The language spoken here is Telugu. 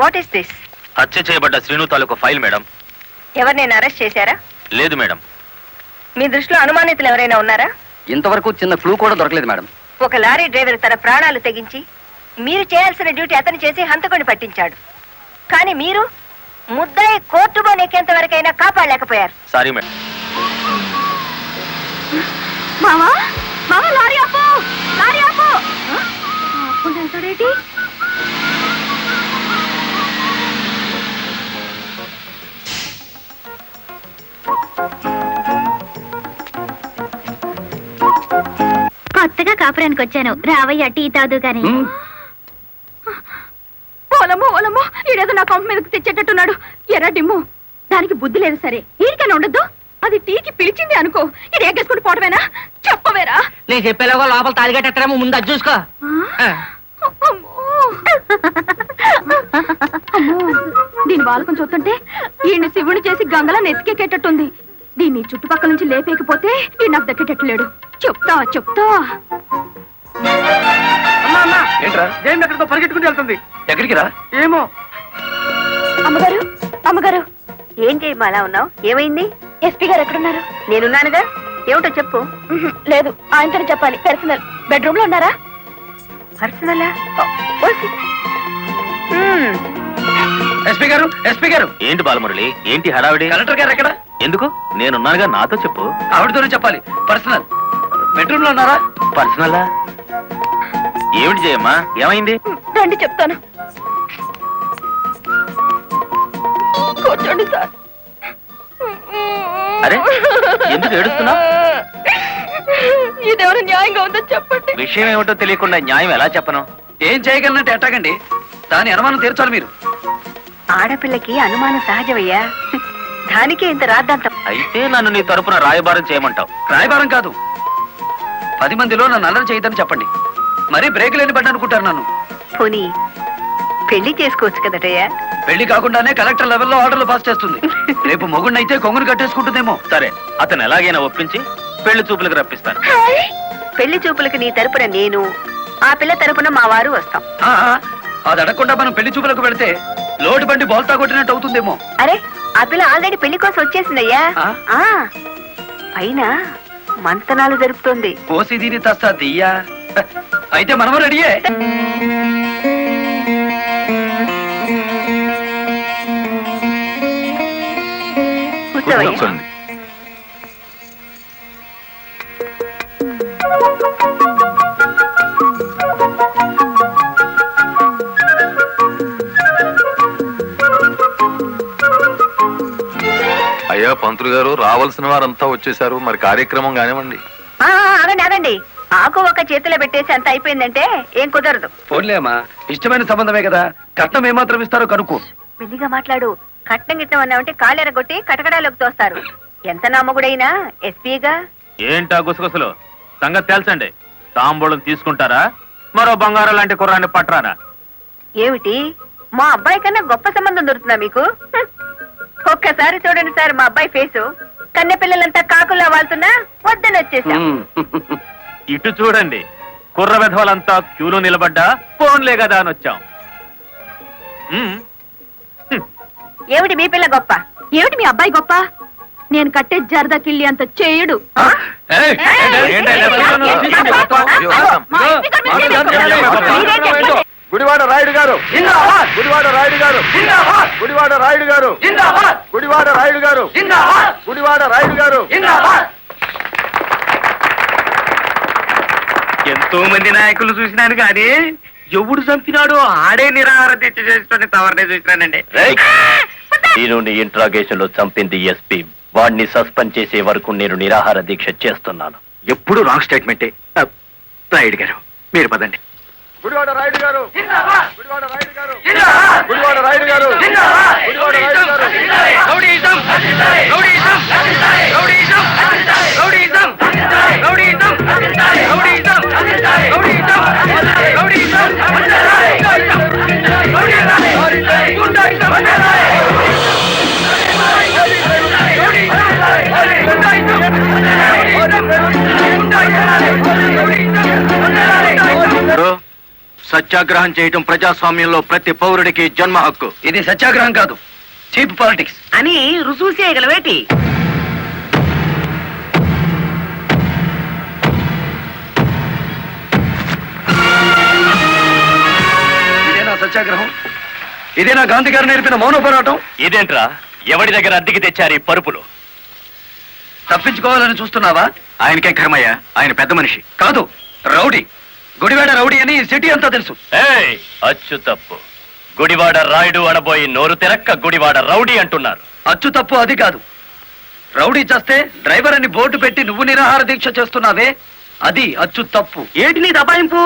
What is this? హత్య చేయబడ్డ శ్రీను తాలూకు ఫైల్ మేడం. ఎవరినైనా అరెస్ట్ చేశారా? లేదు మేడం. మీ దృష్టిలో అనుమానితులు ఎవరైనా ఉన్నారా? ఇంతవరకు చిన్న క్లూ కూడా దొరకలేదు మేడం. ఒక లారీ డ్రైవర్ తన ప్రాణాలు తెగించి మీరు చేయాల్సిన డ్యూటీ అతను చేసి హంతకుడిని పట్టించాడు. కానీ మీరు ముద్దాయి కోర్టు బోనెక్కేంత వరకైనా కాపాడలేకపోయారు. Sorry madam. మామా మామా లారీ ఆపు, లారీ ఆపు. ఆపుకుంటాడేంటి? కొత్తగా కాపురానికి వచ్చాను, రావయ్య టీ తాదు గాని. ఓలమ్మో ఓలమ్మో, ఈడేదో నా కొంప మీదకి తెచ్చేటట్టున్నాడు. ఎర్ర డిమ్ము, దానికి బుద్ధి లేదు సరే, ఈడికైనా ఉండద్దు. అది టీకి పిలిచింది అనుకో, ఇది ఎగ్గేసుకుని పోవటమేనా? చెప్పవేరా? నేను చెప్పేలాగా లోపల తాలిగట్టేమో ముందు అది చూసుకో. దీని బాలకం చూస్తుంటే ఈయన్ని శివుని చేసి గంగలా నెత్తికెక్కేటట్టుంది. దీన్ని చుట్టుపక్కల నుంచి లేపేకపోతే ఈ నాకు దక్కేటట్లేడు. చెప్తా చెప్తా. ఎక్కడికో పరిగెట్టుకుని వెళ్తుంది. ఎక్కడికి రా? ఏమో. అమ్మగారు అమ్మగారు, ఏం చేయమ్మా అలా ఉన్నావు? ఏమైంది? ఎస్పీ గారు ఎక్కడున్నారు? నేనున్నానుగా. ఏమిటో చెప్పు. లేదు, ఆయనతోనే చెప్పాలి. పర్సనల్. బెడ్రూమ్ లో ఉన్నారా? పర్సనలా? ఎస్పీ గారు, ఎస్పీ గారు. ఏంటి బాలమురళి, ఏంటి హడావిడి? కలెక్టర్ గారు ఎక్కడ? ఎందుకు? నేనున్నానుగా, నాతో చెప్పు. ఆవిడతోనే చెప్పాలి. పర్సనల్. బెడ్రూమ్ లో ఉన్నారా? పర్సనలా? ఏమిటి చేయమ్మా, ఏమైంది? రండి చెప్తాను. కూర్చోండి సార్. అరే, ఎందుకు ఏడుస్తున్నావు? ఇదేమైనా న్యాయంగా ఉందో చెప్పండి. విషయం ఏమిటో తెలియకుండా న్యాయం ఎలా చెప్పను? ఏం చేయగలనంటే ఎట్టాగండి, దాని అనుమానం తీర్చాలి మీరు. ఆడపిల్లకి అనుమానం సహజమయ్యా, దానికే ఇంత రాద్దాంతం. అయితే నన్ను నీ తరపున రాయబారం చేయమంటావు? రాయబారం కాదు, 10 మందిలో నన్ను అల్లరి చేయదని చెప్పండి. మరీ బ్రేక్ లేని పడ్డ అనుకుంటారు నన్ను. పోనీ పెళ్లి చేసుకోవచ్చు కదటయ్యా? పెళ్లి కాకుండానే కలెక్టర్ లెవెల్లో ఆర్డర్లు పాస్ చేస్తుంది. రేపు మొగుడినైతే కొంగును కట్టేసుకుంటుందేమో. సరే, అతను ఎలాగైనా ఒప్పించి పెళ్లి చూపులకు రప్పిస్తాను. పెళ్లి చూపులకు నీ తరపున నేను, ఆ పిల్ల తరపున మా వారు వస్తాం. అది అడగకుండా మనం పెళ్లి చూపులకు వెళితే లోటు బండి బోల్తా కొట్టినట్టు అవుతుందేమో. అరే, ఆ పిల్ల ఆల్రెడీ పెళ్లి కోసం వచ్చేసిందయ్యా. ఆ? పైన మంతనాలు జరుపుతోంది. పోసి దీని తస్తా దియ్యా. అయితే మనము రెడీయే. కూర్చోవయ్యా. అయ్యా పంతులు గారు, రావాల్సిన వారంతా వచ్చేసారు, మరి కార్యక్రమం కానివ్వండి. ఆగండి ఆగండి, ఆకు ఒక చేతిలో పెట్టేసి అంత అయిపోయిందంటే ఏం కుదరదు. పోన్లేమ్మా, ఇష్టమైన సంబంధమే కదా, కట్నం ఏమాత్రం ఇస్తారో కనుక్కో. మెల్లిగా మాట్లాడు. కట్నం గిట్నం అన్నామంటే కాళ్ళెరగొట్టి కటకడాలోకి తోస్తారు. ఎంత నామగుడైనా ఎస్పీగా. ఏంటా గుసగుసలు? సంగతి తెలుసండి. తాంబూలం తీసుకుంటారా, మరో బంగారం లాంటి కుర్రాన్ని పట్టరానా? ఏమిటి, మా అబ్బాయి కన్నా గొప్ప సంబంధం దొరుకుతుందా మీకు? ఒక్కసారి చూడండి సార్ మా అబ్బాయి ఫేసు. కన్నె పిల్లలంతా కాకుల్లా వాళ్తున్నా వద్దని వచ్చేసాం. ఇటు చూడండి, కుర్ర విధవలంతా క్యూలో నిలబడ్డా ఫోన్లే కదా అని వచ్చాం. ఏమిటి మీ పిల్ల గొప్ప? ఏమిటి మీ అబ్బాయి గొప్ప? నేను కట్టే జరదా కిళ్ళి అంత చేయడు. గుడివాడ రాయుడు గారు, గుడివాడ రాయుడు గారు, గుడివాడ రాయుడు గారు, గుడివాడ రాయుడు గారు, గుడివాడ రాయుడు గారు. ఎంతో మంది నాయకులు చూసినాను కానీ ఎవడు చంపినాడో ఆడే నిరాహార దీక్ష చేసుకుని తవరనే చూసినానండి. నేను ఇంట్రాగేషన్ లో చంపింది ఎస్పీ. వాడిని సస్పెండ్ చేసే వరకు నేను నిరాహార దీక్ష చేస్తున్నాను. ఎప్పుడు రాంగ్ స్టేట్మెంటే. రాయుడు గారు, మీరు పదండి. గుడివాడ రాయుడు గారు, గుడివాడ రాయుడు గారు, గుడివాడ రాయుడు గారు, గుడివాడ రాయుడు గారు. Rowdyism, rowdyism, rowdyism, rowdyism, rowdyism, rowdyism, rowdyism, rowdyism, సత్యాగ్రహం చేయటం ప్రజాస్వామ్యంలో ప్రతి పౌరుడికి జన్మ హక్కు. ఇది సత్యాగ్రహం కాదు, చీప్ పాలిటిక్స్. అని రుసూలు చేయగలవేటి? ఇదేనా సత్యాగ్రహం? ఇదేనా గాంధీ గారు నేర్పిన మౌన పోరాటం? ఇదేంట్రా, ఎవడి దగ్గర అద్దెకి తెచ్చారు ఈ పరుపులు? తప్పించుకోవాలని చూస్తున్నావా? ఆయనకే కర్మయ్య, ఆయన పెద్ద మనిషి. కాదు, రౌడీ. గుడివాడ రౌడీ అని ఈ సిటీ అంతా తెలుసు. ఏయ్, అచ్చు తప్పు. గుడివాడ రాయుడు అనబోయి నోరు తెరక్క గుడివాడ రౌడీ అంటున్నారు. అచ్చు తప్పు అది కాదు. రౌడీ చేస్తే డ్రైవర్ అని బోర్డు పెట్టి నువ్వు నిరాహార దీక్ష చేస్తున్నావే, అది అచ్చు తప్పు. ఏటి నీ దబాయింపు?